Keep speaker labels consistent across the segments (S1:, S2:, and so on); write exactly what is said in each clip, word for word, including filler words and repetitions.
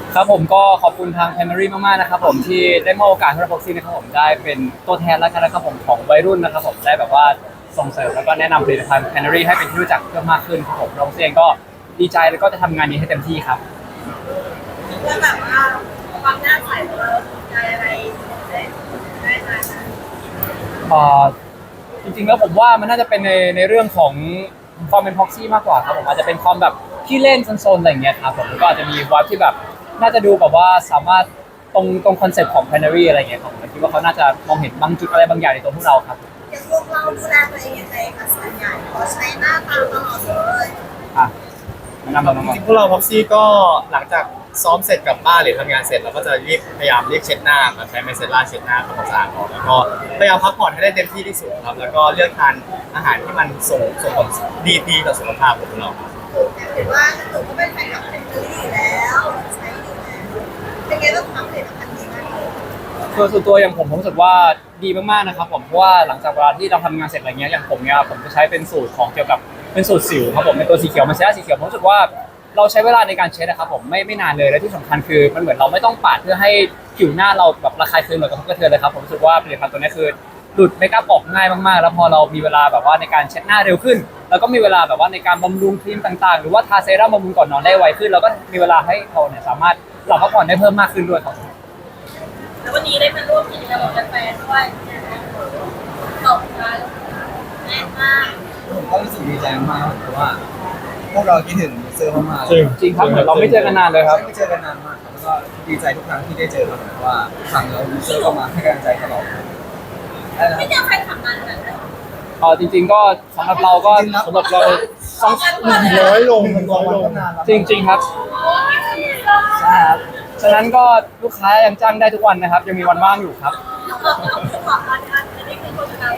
S1: ครับผมก็ขอบคุณทาง Primary มากๆนะครับผมที่ได้มอบโอกาสให้เราพ็อกซี่นะครับผมได้เป็นตัวแทนแล้วกันนะครับผมของวัยรุ่นนะครับผมได้แบบว่าส่งเสริมแล้วก็แนะนำผลิตภัณฑ์ Primary ให้เป็นที่รู้จักเพิ่มมากขึ้นครับผมเราเองก็ดีใจแล้วก็จะทำงานนี้ให้เต็มที่ครับ
S2: เพื่อแบบว่าความน่าใส่ของเราใจอะไรได้ได้มา
S1: เอ่อจริงๆแล้วผมว่ามันน่าจะเป็นในในเรื่องของความเป็นพ็อกซี่มากกว่าครับผมอาจจะเป็นความแบบที่เล่นโซนๆอะไรอย่างเงี้ยครับผมก็อาจจะมีวายที่แบบน่าจะดูแบบว่าสามารถตรงตรงคอนเซ็ปต์ของ Primary อะไรอย่างเงี้ยครับผมคิดว่าเขาน่าจะมองเห็นบางจุดอะไรบางอย่างในตัวพวกเราครับ
S2: อย่างพวกเราดูแลตัวเองยังไงคะส่วนใหญ่เราใช้หน้าตาตลอดเลย
S1: อ่ะแนะนำน้อง
S3: จริงๆพวกเราพ็อกซี่ก็หลังจากซ้อมเสร็จกลับบ้านหรือทำงานเสร็จเราก็จะรีบพยายามรีบเช็ดหน้าครับใช้ไมเซล่าเช็ดหน้าทำความสะอาดออกแล้วก็พยายามพักผ่อนให้ได้เต็มที่ที่สุดครับแล้วก็เลือกทานอาหารที่มันส่งส่งผลดีดีต่อสุขภาพของเราครับ
S2: เห็นว่าหนูก็เป็นแฟนคลับเป็นเจอรี่อยู่แล้วใช้อยู่แล้วเป็นไงบ้างความผลิตภัณฑ์ดีมากเลย
S1: คือส่วนตัวอย่างผมผมรู้สึกว่าดีมากๆนะครับผมเพราะว่าหลังจากเวลาที่เราทำงานเสร็จอะไรเงี้ยอย่างผมเนี่ยผมจะใช้เป็นสูตรของเกี่ยวกับเป็นสูตรสิวครับผมเป็นตัวสีเขียวมันใช้สีเขียวผมรู้สึกว่าเราใช้เวลาในการเช็ดนะครับผมไม่ไม่นานเลยและที่สำคัญคือมันเหมือนเราไม่ต้องปาดเพื่อให้ผิวหน้าเราแบบระคายเคืองหรือกระทบกระเทือนเลยครับผมรู้สึกว่าผลิตภัณฑ์ตัวนี้คือหลุดเมคอัพออกง่ายมากๆแล้วพอเรามีเวลาแบบว่าในการเช็ดหน้าเร็วขึ้นแล้วก็มีเวลาแบบว่าในการบำรุงครีมต่างๆหรือว่าทาเซรั่มบำรุงก่อนนอนได้ไวขึ้นแล้วก็มีเวลาให้เราเนี่ยสามารถหลับพักผ่อนได้เพิ่มมากขึ้นด้วยครับ
S2: แล้ววันนี้ได้มาร่วมกิจกรรมกับแฟนด้วยตบกันแน่นมาก
S4: ผมก็รู้สึกดีใจมากเพราะว่าพวกเราคิดถึงยูเซอร์มากๆ
S1: จริงจริงครับเหมือนเราไม่เจอกันนานเลยครับ
S4: ไม่เจอกันนานมากครับแล้วก็ดีใจทุกครั้งที่ได้เจอกันเพราะว่าครั้งแล้วยูเซอร์ก็มาให้กำลังใจตลอด
S2: ไม่เจอแฟนคลับนานขนาดนั้น
S1: เออจริงๆก็สำหรับเราก็สำหรับเรา
S2: สองพัน
S3: น้อยลง
S4: มันน้อยลงนานแล้ว
S1: จริงๆครับใช่ครับฉะนั้นก็ลูกค้ายังจ้างได้ทุกวันนะครับยังมีวันว่างอยู่ครับ
S2: ขอการอันนี้คือคนเรา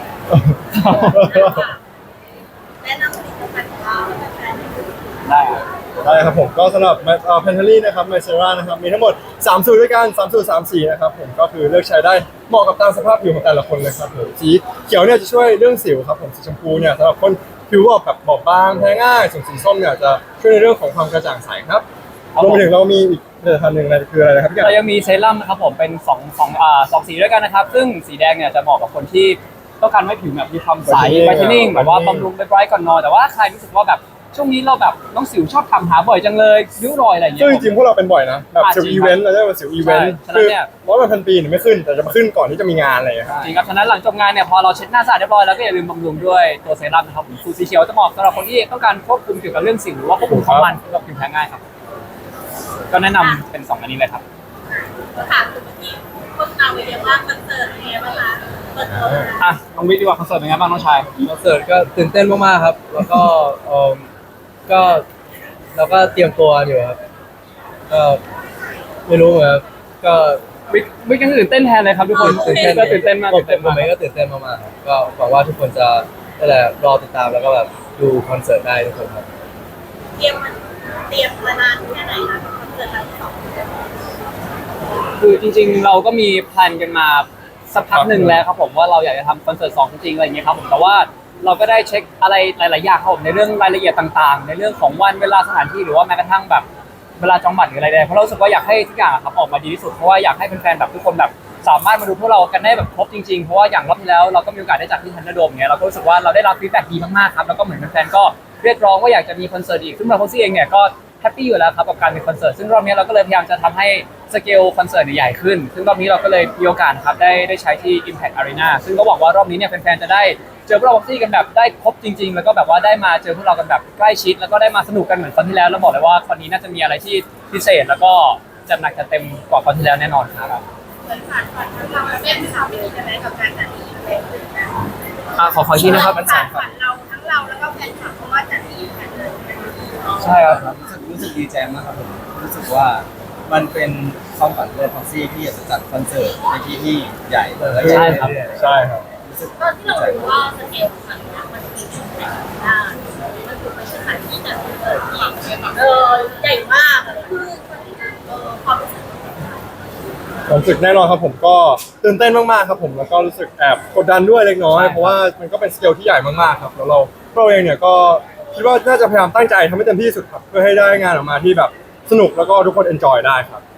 S2: แนะนำผลิตภัณฑ์ของเราให้แฟนๆ
S1: ได้ครับ
S3: ได้ครับผมก็สำหรับแพนเทอรี่นะครับไมเซรานะครับมีทั้งหมดสามสูตรด้วยกันสามสูตรสามสีนะครับผมก็คือเลือกใช้ได้เหมาะกับตามสภาพผิวของแต่ละคนเลยครับผมสีเขียวเนี่ยจะช่วยเรื่องสิวครับผมสีชมพูเนี่ยสำหรับคนผิวแบบบอบบางแพ้ง่ายส่วนสีส้มเนี่ยจะช่วยในเรื่องของความกระจ่างใสครับรวมไปถึงเรามีอีกผลิตภัณฑ์หนึ่งอะไรคืออะไรนะครับพี่
S1: เรายังมีเซรั่มนะครับผมเป็นสองสองอ่าสองสีด้วยกันนะครับซึ่งสีแดงเนี่ยจะเหมาะกับคนที่ต้องการให้ผิวแบบมีความใสไบรท์นิ่งแบบว่าบำรุงไบรท์ก่อนนอนแต่ว่าใครรู้สึกว่าแบบช่วงนี้เราแบบน้องสิวชอบทำหาบ่อยจังเลยริ้วรอยอะไรอย่างเงี้
S3: ซึ่ง
S1: ย
S3: จริงๆพวกเราเป็นบ่อยนะแบบสิวอีเวนต์เราได้มาสิวอีเวนต์คือร้อยวันพันปีเนี่ยไม่ขึ้นแต่จะมาขึ้นก่อนที่จะมีงานอะไรอย่างเงี้ย
S1: จริงครับฉะนั้นหลังจบงานเนี่ยพอเราเช็ดหน้าสะอาดเรียบร้อยแล้วก็อย่าลืมบำรุงด้วยตัวเซรั่มนะครับผมสูตรสีเขียวจะเหมาะสำหรับคนที่ต้องการควบคุมเกี่ยวกับเรื่องสิวหรือว่าควบคุมความมันกับผิวแพ้ง่ายครับก็แนะนำเป็นสองอันนี้เลยครับ
S2: ก็ถามคุณเมื่อกี้คนเอาไปเรียกว่าคอนเสิร์ตเป็นไงบ้างคะเปิดตัว
S1: อ่ะน้องวิทย์ดีกว่าคอนเสิร์ตเป็นไงบ้างน้องชาย
S4: คอนเสิร์ตก็ตื่นเต้นมากๆครับแล้วก็เออก็เราก็เตรียมตัวอยู่ครับก็ไม่รู้เหมือนกันก็
S1: วิทย์วิทย์ก็ตื่นเต้นแทนเลยครับทุกคน
S4: ตื่นเต้น
S1: ก็ตื่นเต้นมากตื่นเต้น
S4: ผม
S1: มาก
S4: เองก็ตื่นเต้นมากๆครับก็หวังว่าทุกคนจะนั่นแหละรอติดตามแล้วก็แบบดูคอนเสิร์ตได้ทุกคนครับ
S2: เตรียมมันเตรียมมานานแค่ไหนคะคอนเสิร์ตครั้งที่สอง
S1: คือจริงๆเราก็มีแพลนกันมาสักพักหนึ่งแล้วครับผมว่าเราอยากจะทำคอนเสิร์ตสองจริงๆอะไรอย่างเงี้ยครับผมแต่ว่าเราก็ได้เช็คอะไรหลายๆอย่างครับผมในเรื่องรายละเอียดต่างๆในเรื่องของวันเวลาสถานที่หรือว่าแม้กระทั่งแบบเวลาจองบัตรหรืออะไรใดเพราะเรารู้สึกว่าอยากให้ทุกอย่างครับออกมาดีที่สุดเพราะว่าอยากให้แฟนๆแบบทุกคนแบบสามารถมาดูพวกเรากันได้แบบครบจริงๆเพราะว่าอย่างรอบที่แล้วเราก็มีโอกาสได้จัดที่ทันเดอร์โดมเงี้ยเราก็รู้สึกว่าเราได้รับฟีดแบ็กดีมากๆครับแล้วก็เหมือนแฟนๆก็เรียกร้องว่าอยากจะมีคอนเสิร์ตอีกซึ่งเราโค้ชเองเนี่ยก็แฮปปี้อยู่แล้วครับกับการมีคอนเสิร์ตซึ่งรอบนี้เราก็เลยพยายามจะทำให้สเกลคอนเสิร์ตใหญ่ขึ้นซึ่งรอบนี้เราก็เลยมีโอกาสครับได้ได้ใช้ที่ Impact Arena ซึ่งก็หวังว่ารอบนี้เนี่ยแฟนๆจะได้เจอพวกเราบ็อกซี่กันแบบได้ครบจริงๆแล้วก็แบบว่าได้มาเจอพวกเรากันแบบใกล้ชิดแล้วก็ได้มาสนุกกันเหมือนครั้งที่แล้วแล้วบอกเลยว่าครั้งนี้น่าจะมีอะไรที่พิเศษแล้วก็จัดหนักจัดเต็มกว่าครั้งที่แล้วแน่นอนครับ
S2: เหมือนผ่านผ่านทั้งเราและแฟนคลับมีกันไหมกับการจัดอีเวนต์นะ
S1: อ่าขอขอที่นะครับ
S2: ผ่านผ่านเราทั้งเราแล้วก็แฟนคลับเพราะว่าจัดอีเวนต์เลย
S1: ใช่ครับ
S4: รู้สึกรู้สึกดีใจมากครับผมรู้สึกว่ามันเป็นความฝันของพ็อกซี่ที่จะจัดคอนเสิร์ตในที่ที่ใหญ่และใหญ่
S1: ครับ
S3: ใช่ครับ
S2: ตอนที่เรารู้ว่าสเกลของมันมันมีช่วงไหนได้มันคือเป็นสถานที่จัดคอนเสิร์ตที่เออใหญ่มากคือความรู้สึก
S3: ผมรู้สึกแน่นอนครับผมก็ตื่นเต้นมากๆครับผมแล้วก็รู้สึกแอบกดดันด้วยเล็กน้อยเพราะว่ามันก็เป็นสเกลที่ใหญ่มากๆครับแล้วเราเราเองเนี่ยก็คิดว่าน่าจะพยายามตั้งใจทำให้เต็มที่สุดครับเพื่อให้ได้งานออกมาที่แบบสนุกแล้วก็ทุกคนเอนจอยได้ครับ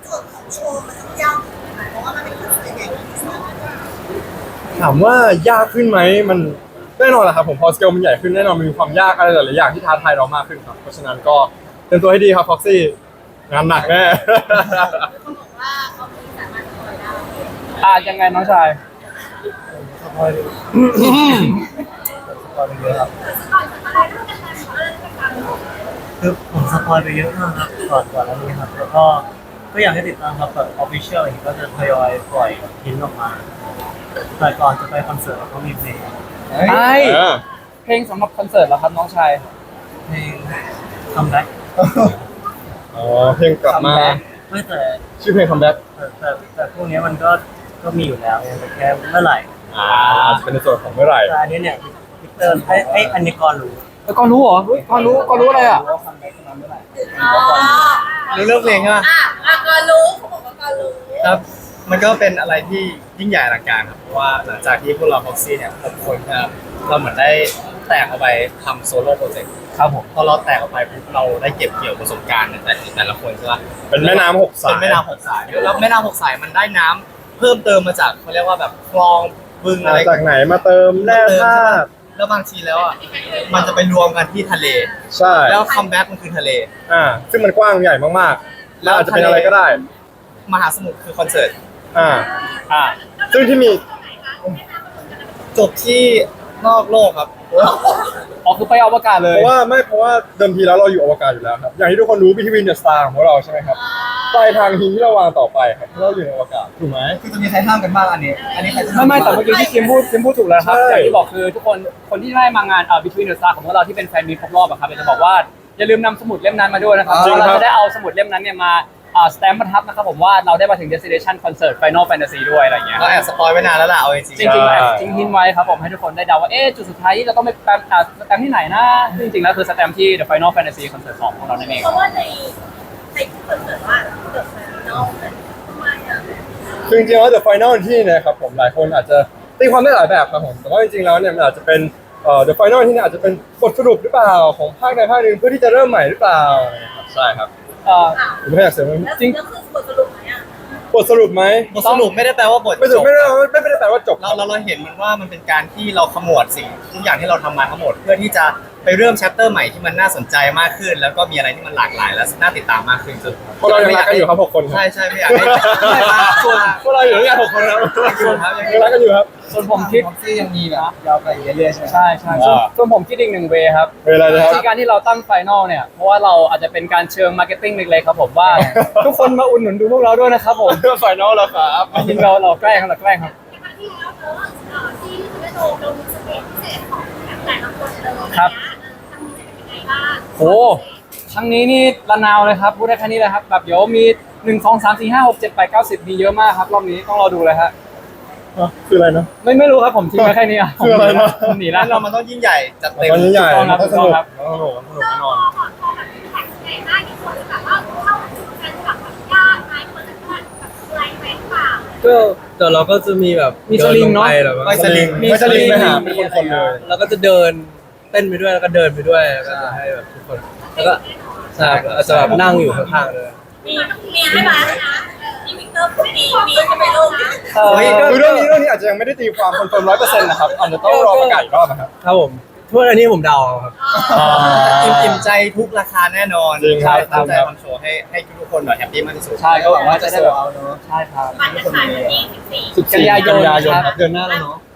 S2: โจทย์ของโชว์มันต้องยากค่ะเพราะว่ามันเป็นคอนเสิร์ตใหญ่ที่สุด
S3: ถามว่ายากขึ้นไหมมันแน่นอนแหละครับผมพอสเกลมันใหญ่ขึ้นแน่นอนมันมีความยากอะไรหลายๆอย่างที่ท้าทายเรามากขึ้นครับเพราะฉะนั้นก็เตรียมตัวให้ดีครับฟ็อกซี่งานหนักแน่
S2: เขาบอกว่าเขามีสามารถทำได้
S1: อ่ายังไงน้องชาย
S4: สปอยล์สปอยล์ไปเยอะครับ
S2: ก่อนอะไรเรื่องการขอเรื่องการ
S5: คือผมสปอยไปเยอะมากครับก่อนก่อนอันนี้ครับแล้วก็ก็อยากให้ติดตามครับแบบออฟฟิเชียลอย่างนี้ก็จะทยอยปล่อยพิมพ์ออกมาแต่ก่อนจะไปคอนเสิร์ตก็มีเพลง
S1: ใช่
S3: เออ
S1: เพลงสำหรับคอนเสิร์ตเหรอครับน้องชาย
S5: เพลงคัมแบ็ก
S3: อ๋อเพลงกลับมา
S5: ไม่แต่
S3: ชื่อเพลงคัมแบ็ก
S5: แต่แต่แต่พวกนี้มันก็ก็มีอยู่แล้วไงแต่แค่เมื่อไหร่
S3: อ่าจะเป็นในส่วนของเมื่อไหร่
S5: แต่อันนี้เนี่ยวิกเตอร์ไอ้ไอ้อันนี้ก่อนรู้
S1: แล้วก็รู้เหรอเฮ้ยก็รู้ก็รู้อะไรอ่ะ
S5: ว่าคัมแบ็กมาเมื่อไหร่
S2: อ๋อ
S6: รู้เรื่องเพลงใช่ไหม
S2: อ่ะอ่ะก็รู้เขาบอกว่าก็รู้
S6: ครับ มันก็เป็นอะไรที่ยิ่งใหญ่อลังการครับ เพราะว่าหลังจากที่พวกเราพ็อกซี่เนี่ยหกคนนะครับเราเหมือนได้แตกออกไปทำโซโล่โปรเจกต์
S1: ครับผม
S6: พอเราแตกออกไปปุ๊บเราได้เก็บเกี่ยวประสบการณ์ในแต่แต่ละคนใช่ปะ
S3: เป็นแม่น้ำหกสาย
S6: เป็นแม่น้ำหกสายแล้วแม่น้ำหกสายมันได้น้ำเพิ่มเติมมาจากเขาเรียกว่าแบบคลองบึงอะไร
S3: มาจากไหนมาเติมแร่ธาตุ
S6: แล้วบางทีแล้วอ่ะมันจะไปรวมกันที่ทะเล
S3: ใช่
S6: แล้วคัมแบ็กมันคือทะเล
S3: อ่าซึ่งมันกว้างใหญ่มากๆแล้วอาจจะเป็นอะไรก็ได้
S6: มหาสมุทรคือคอนเสิร์ต
S3: อ่า
S1: อ่า
S3: ซึ่งที่มี
S6: จบที่นอกโลกครับ
S1: อ๋อคือไปอวกาศเล
S3: เพ
S1: ย
S3: ราะว่าไม่เพราะว่าเดิมทีแล้วเราอยู่อวกาศอยู่แล้วครับอย่างที่ทุกคนรู้ Between the Star ของพวกเราใช่ไหมครับปลายทางทีที่เราวางต่อไปครับเราอยู่ในอวกาศถูกไหม
S6: คือจะมีใครห้ามกันบ้างอันนี้ อันนี้ใครจะห้า
S1: ไม่
S6: ม
S1: ไม่แต่เมื่อกี้ที่คิมพูดคิมพูดถูกแล้วครับ
S3: ใช่
S1: อย่างที่บอกคือทุกคนคนที่ได้มางานเอ่อ Between the Stars ของพวกเราที่เป็นแฟนมีตครบรอบอะครับอยากจะบอกว่าอย่าลืมนำสมุดเล่มนั้นมาด้วยนะครับเพราะเราจะได้เอาสมุดเล่มนั้นเนี่ยมาอ่าสแตมป์ประทับนะครับผมว่าเราได้มาถึง destination concert Final Fantasy ด้วยอะไรอย่างเงี้ย
S6: ก็แอบสปอยไว้นานแล้วล่ะเอาจริง
S1: จริงๆแอบทิ้งหินไว้ครับผมให้ทุกคนได้เดาว่าเอ๊ะจุดสุดท้ายที่เราต้องไปแปมอ่าสแตมป์ที่ไหนนะซึ่งจริงๆแล้วคือสแตมป์ที่ The Final Fantasy Concert สองของเรานั่นเอง
S2: เพราะว่าในในที่คอนเสิร์ตว่าเกิดมาเนาะทำไมอ่ะ
S3: คือจริงๆแล้ว The Final ที่เนะครับผมหลายคนอาจจะตีความได้หลายแบบครับผมแต่ว่าจริงๆแล้วเนี่ยมันอาจจะเป็นเอ่อ The Final ที่เนี่ยอาจจะเป็นบทสรุปหรือเปล่าของภาคใดภาคหนึ่งเพื่อที่จะเริ่มใหม่หรือเปล่าใช่ครับ
S1: เอ่อ
S2: อ้าว
S3: ผมไม่อยากเสริม
S2: แล้วแล้วคือบทสรุปไหมอ่ะ
S3: บทสรุปไหม
S6: ๆบทสรุปไม่ได้แปลว่าบท
S3: ไม่
S6: จ
S3: ถึง
S6: บ
S3: ไม่ได้ไม่ไม่ได้แปลว่าจบ
S6: เราเราเราเห็นมันว่ามันเป็นการที่เราขมวดสิ่งทุกอย่างที่เราทำมาทั้งหมด เพื่อที่จะไปเริ่มแชปเตอร์ใหม่ที่มันน่าสนใจมากขึ้น แล้วก็มีอะไรที่มันหลากหลายและน่าติดตามมากขึ้นจน
S3: พวกเรายังรักกันอยู่ครับหกคนครับ
S6: ใช่ใช่ไม่อยากให้ส่วน
S3: พวกเราอยู่ด้วยกันหกคนครับ
S6: ส่วนครับยัง
S3: ยังรักกันอยู่ครับ
S1: ส่วนผมคิด
S6: ที่ยังมีแบบยาวไปเรื่อยๆใช่ไหม
S1: ใช่ใช่ส่วนส่วนผมคิดอีกหนึ่งเวครับ
S3: เวลานะครับ
S1: ที่การที่เราตั้งไฟนอลเนี่ย เพราะว่าเราอาจจะเป็นการเชิงมาร์เก็ตติ้งเล็กๆครับผมว่า ทุกคนมาอุดหนุนดูพวกเราด้วยนะครับผม
S3: เพื่อไฟนอลแล้วครับ
S1: จริงๆเราเราแกล้งครับเราแกล้งครับ
S2: ในครั้งที่แล้วเนอะเอ่อที่ทวิตโตเรามีสเปซพิเศษของแต่ละคนเลย
S1: ครับ
S2: ทำมีจะเป็นยังไงบ้าง
S1: โอ้ครั้งนี้นี่ระนาวเลยครับพูดได้แค่นี้เลยครับแบบเดี๋ยวมีหนึ่งสองสามสี่ห้าหกเจ็ดแปดเก้าสิบมีเยอะมากครับรอบนี้ต้องรอดูเลยฮะ
S3: คืออะไรนะ
S1: ไม่ไม่รู้ครับผมทิ้งไว้แค่นี้อ่ะ
S3: คืออะไรนะ
S1: ผมหนีแล้
S6: แล้ว วเรามันต้องยิ่งใหญ่จัดเต็ม
S3: ตอนนี้ใหญ่
S1: ถูกต้องครับ
S3: ต้องสนุก
S1: ถูกต้องครับ
S3: ต้องสนุกต้องสนุกแน่นอน
S2: พอพอแบบแท็กในหน้าที่คนแบบว่าเข้าถึงแฟนคลับแบบยากไหมคนจะแบบอะไรไหมเปล่า
S4: ก็แต่เราก็จะมีแบบ
S1: มีสลิงเนอะ
S4: ดิลไปหรอ
S6: ไม่สลิง
S3: ไม่สลิงไปหาเป็นคนๆเลย
S4: เราก็จะเดินเต้นไปด้วยแล้วก็เดินไปด้วยแล้วก็จะให้แบบทุกคนแล้วก็ใช่แล้วอาจจะแบบนั่งอยู่ข้างๆเลย
S2: มีมีให้ร้านนะมีวิกเตอร์มีมีจะไปลงนะ
S1: เออ
S3: เฮ้ยคือเรื่องนี้เรื่องนี้อาจจะยังไม่ได้ตีความคอนเฟิร์มร้อยเปอร์เซ็นต์นะครับอาจจะต้องรอประกาศอีกรอบนะครับ
S4: ครับผมทุกอันนี้ผมเดาเอาครับ
S6: อิ่มอิ่มใจทุกราคาแน่นอน
S3: จริงครับ
S6: ตั้งใจทำโชว์ให้ให้ทุกคนแบบแฮปปี้มากที่สุด
S1: ใช่ก็หวังว่าจะได้แบบ
S6: เอาเนอะ
S1: ใช่ครับ
S2: มันจะขายวันที่สิบสี่
S1: สิบกันยายน
S3: ครับ เดือนหน้าแล้วเนาะ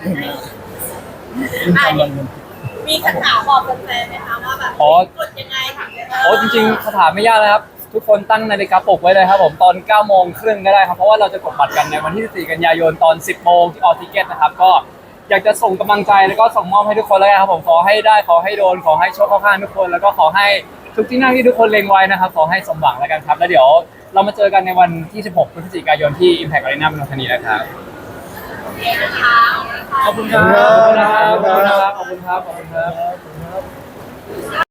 S2: อ่ะมีคำถามบอกแฟนๆไหมคะว่าแบบ
S1: อ๋อ
S2: กดยังไงถึง
S1: โอ้จริงๆคาถามไม่ยากเลยครับ ทุกคนตั้งนาฬิกาปลุกไว้เลยครับผมตอนเก้าโมงครึ่งก็ได้ครับเพราะว่าเราจะกดบัตรกันในวันที่สิบสี่กันยายนตอนสิบโมงที่ออทิเกตนะครับก็อยากจะส่งกำลังใจแล้วก็ส่งมอบให้ทุกคนเลยครับผมขอให้ได้ขอให้โดนขอให้โชคเข้าข้างทุกคน แล้วก็ขอให้ทุกที่นั่งที่ทุกคนเล็งไว้นะครับขอให้สมหวังแล้วกันครับแล้วเดี๋ยวเรามาเจอกันในวันที่สิบหกพฤศจิกายนที่ Impact Arena เมืองทองธานีนะครับ
S2: โอเคนะคะ
S1: ขอบคุณครับขอบคุณครับขอบคุณครับขอบคุณครับ